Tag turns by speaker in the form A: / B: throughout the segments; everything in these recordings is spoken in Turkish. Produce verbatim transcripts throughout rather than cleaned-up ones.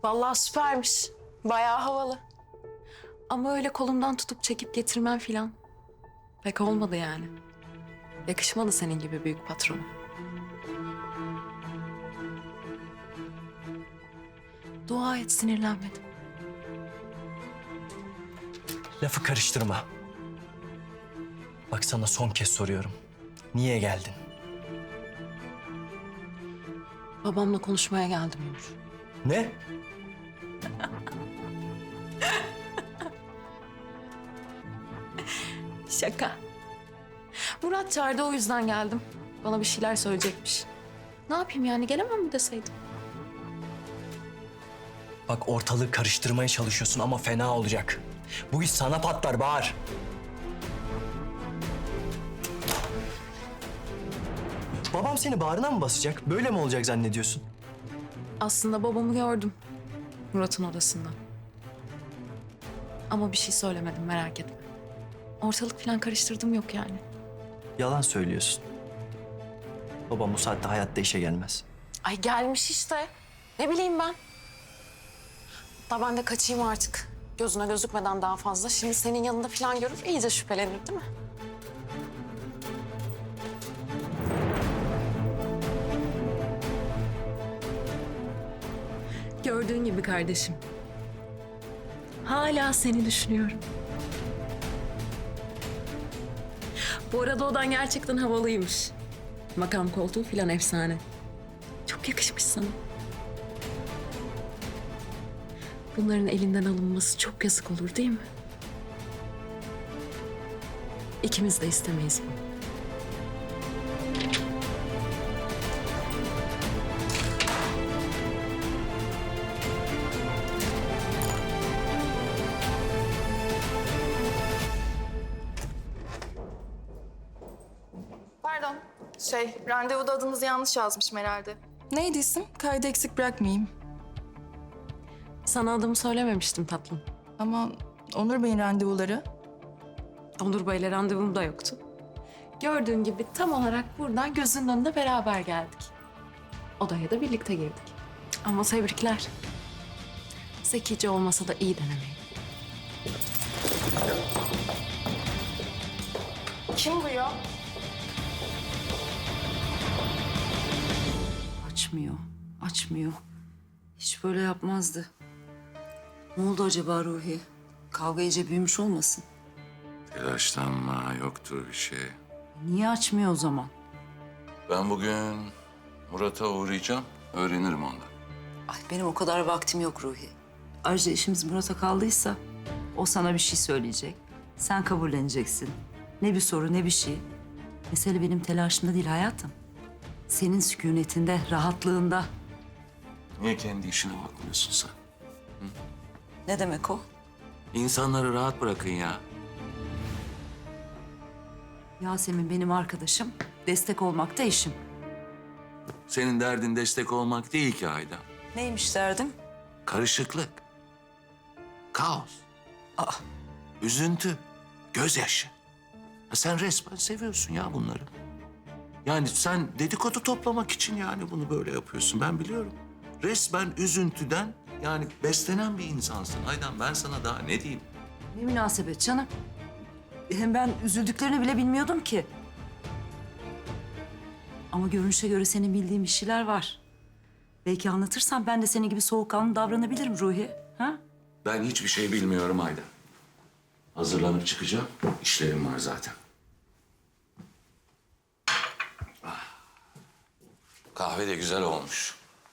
A: Vallahi süpermiş. Bayağı havalı. Ama öyle kolumdan tutup çekip getirmem filan pek olmadı yani. Yakışmadı senin gibi büyük patrona. Dua et sinirlenmedim.
B: Lafı karıştırma. Bak sana son kez soruyorum. Niye geldin?
A: Babamla konuşmaya geldim Ömür.
B: Ne?
A: Şaka. Murat çağırdı, o yüzden geldim. Bana bir şeyler söyleyecekmiş. Ne yapayım yani, gelemem mi deseydim?
B: Bak ortalığı karıştırmaya çalışıyorsun ama fena olacak. Bu iş sana patlar Bahar. Babam seni bağrına mı basacak? Böyle mi olacak zannediyorsun?
A: Aslında babamı gördüm. Murat'ın odasında. Ama bir şey söylemedim, merak etme. Ortalık falan karıştırdım yok yani.
B: Yalan söylüyorsun. Babam bu saatte hayatta işe gelmez.
A: Ay gelmiş işte. Ne bileyim ben. Da ben de kaçayım artık. Gözüne gözükmeden daha fazla. Şimdi senin yanında falan görür, iyice şüphelenir değil mi? Gördüğün gibi kardeşim. Hala seni düşünüyorum. Bu arada odan gerçekten havalıymış. Makam koltuğu falan efsane. Çok yakışmış sana. Bunların elinden alınması çok yazık olur değil mi? İkimiz de istemeyiz bunu.
C: Pardon. Şey, randevuda adınızı yanlış yazmışım herhalde. Neydi isim? Kaydı eksik bırakmayayım.
A: Sana adımı söylememiştim tatlım.
C: Ama Onur Bey'in randevuları.
A: Onur Bey'le randevum da yoktu. Gördüğün gibi tam olarak buradan gözünün önünde beraber geldik. Odaya da birlikte girdik. Ama tebrikler. Zekice olmasa da iyi denemeyin.
C: Kim bu ya?
D: Açmıyor, açmıyor. Hiç böyle yapmazdı. Ne oldu acaba Ruhi? Kavga iyice büyümüş olmasın?
E: Telaşlanma, yoktur bir şey.
D: Niye açmıyor o zaman?
E: Ben bugün Murat'a uğrayacağım, öğrenirim ondan.
D: Ay benim o kadar vaktim yok Ruhi. Ayrıca işimiz Murat'a kaldıysa o sana bir şey söyleyecek. Sen kabulleneceksin. Ne bir soru ne bir şey. Mesele benim telaşımda değil hayatım. Senin sükunetinde, rahatlığında.
E: Niye kendi işine bakmıyorsun sen?
D: Ne demek o?
E: İnsanları rahat bırakın ya.
D: Yasemin benim arkadaşım. Destek olmak da işim.
E: Senin derdin destek olmak değil ki Aydan.
D: Neymiş derdim?
E: Karışıklık, kaos,
D: Aa,
E: üzüntü, gözyaşı. Ha sen resmen seviyorsun ya bunları. Yani sen dedikodu toplamak için yani bunu böyle yapıyorsun, ben biliyorum. Resmen üzüntüden yani beslenen bir insansın Aydan. Ben sana daha ne diyeyim?
D: ne münasebet canım. Hem ben üzüldüklerini bile bilmiyordum ki. Ama görünüşe göre senin bildiğin bir şeyler var. Belki anlatırsan ben de senin gibi soğukkanlı davranabilirim Ruhi. Ha?
E: Ben hiçbir şey bilmiyorum Aydan. Hazırlanıp çıkacağım. İşlerim var zaten. Ah. Kahve de güzel olmuş.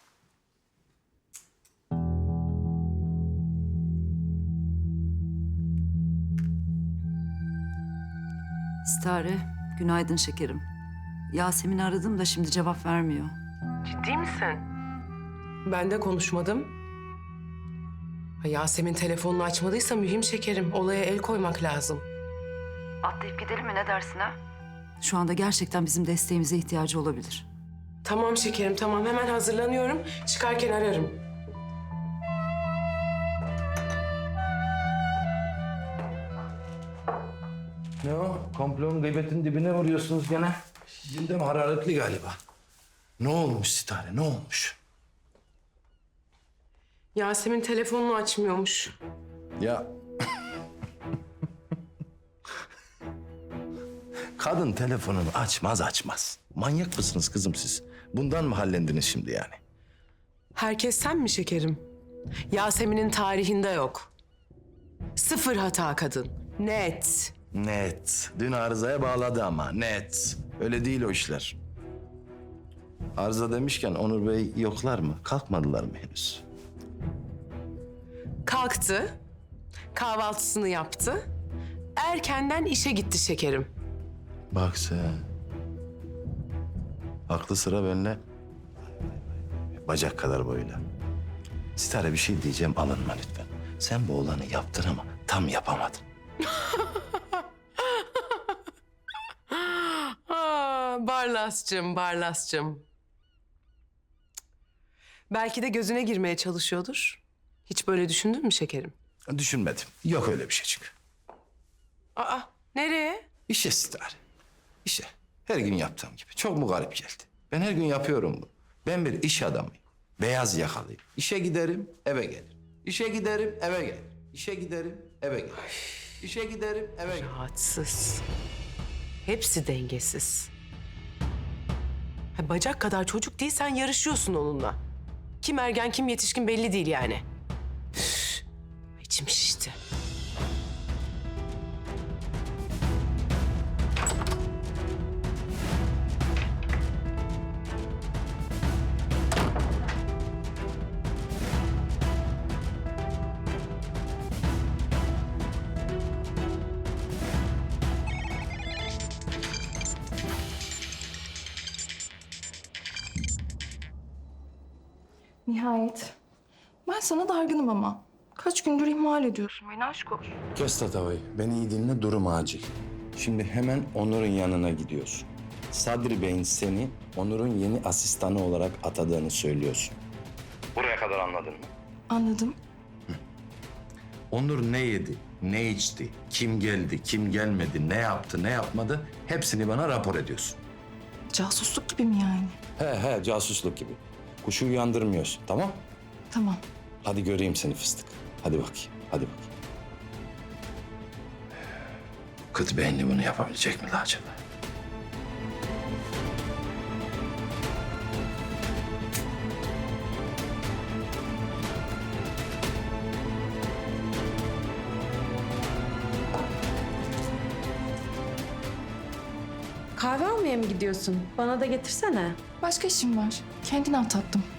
D: İstare, günaydın şekerim. Yasemin'i aradım da şimdi cevap vermiyor.
F: Ciddi misin? Ben de konuşmadım. Ha, Yasemin telefonunu açmadıysa mühim şekerim. Olaya el koymak lazım.
D: Atlayıp gidelim mi ne dersin ha? Şu anda gerçekten bizim desteğimize ihtiyacı olabilir.
F: Tamam şekerim, tamam. Hemen hazırlanıyorum. Çıkarken ararım.
G: Ne o? Komplonun gıybetin dibine vuruyorsunuz gene. Gündem hararetli galiba. Ne olmuş Sitare, ne olmuş?
F: Yasemin telefonunu açmıyormuş.
G: Ya... Kadın telefonunu açmaz açmaz. Manyak mısınız kızım siz? Bundan mı hallendiniz şimdi yani?
F: Herkes sen mi şekerim? Yasemin'in tarihinde yok. Sıfır hata kadın. Net.
G: Net. Dün arızaya bağladı ama net. Öyle değil o işler. Arıza demişken Onur Bey yoklar mı? Kalkmadılar mı henüz?
F: Kalktı. Kahvaltısını yaptı. Erkenden işe gitti şekerim.
G: Bak sen. Aklı sıra benimle. Bacak kadar boyuyla. Sitare bir şey diyeceğim, alınma lütfen. Sen bu oğlanı yaptın ama tam yapamadın.
F: Aa, Barlas'cığım, Barlas'cığım. Belki de gözüne girmeye çalışıyordur. Hiç böyle düşündün mü şekerim?
G: Düşünmedim. Yok öyle bir şey çünkü.
F: Aa, nereye?
G: İşe Sitare. İşe. Her gün yaptığım gibi. Çok mu garip geldi? Ben her gün yapıyorum bunu. Ben bir iş adamıyım. Beyaz yakalıyım. İşe giderim, eve gelirim. İşe giderim, eve gelirim. İşe giderim, eve gelirim. İşe giderim, eve gelirim.
F: Rahatsız. Hepsi dengesiz. Ha, bacak kadar çocuk değil, sen yarışıyorsun onunla. Kim ergen kim yetişkin belli değil yani. Üf, içim şişti.
C: Nihayet. Ben sana dargınım ama. Kaç gündür ihmal ediyorsun beni aşk olsun.
G: Kes Tatava'yı. Beni iyi dinle, durum acil. Şimdi hemen Onur'un yanına gidiyorsun. Sadri Bey'in seni Onur'un yeni asistanı olarak atadığını söylüyorsun. Buraya kadar anladın mı?
C: Anladım.
G: Onur ne yedi, ne içti, kim geldi, kim gelmedi, ne yaptı, ne yapmadı hepsini bana rapor ediyorsun.
C: Casusluk gibi mi yani?
G: He he, casusluk gibi. Kuşu uyandırmıyorsun, tamam?
C: Tamam.
G: Hadi göreyim seni fıstık. Hadi bakayım, hadi bakayım. Kıt beyinli bunu yapabilecek mi la acaba?
A: Kahve almaya mı gidiyorsun? Bana da getirsene.
C: Başka işim var. Kendine at tatlım.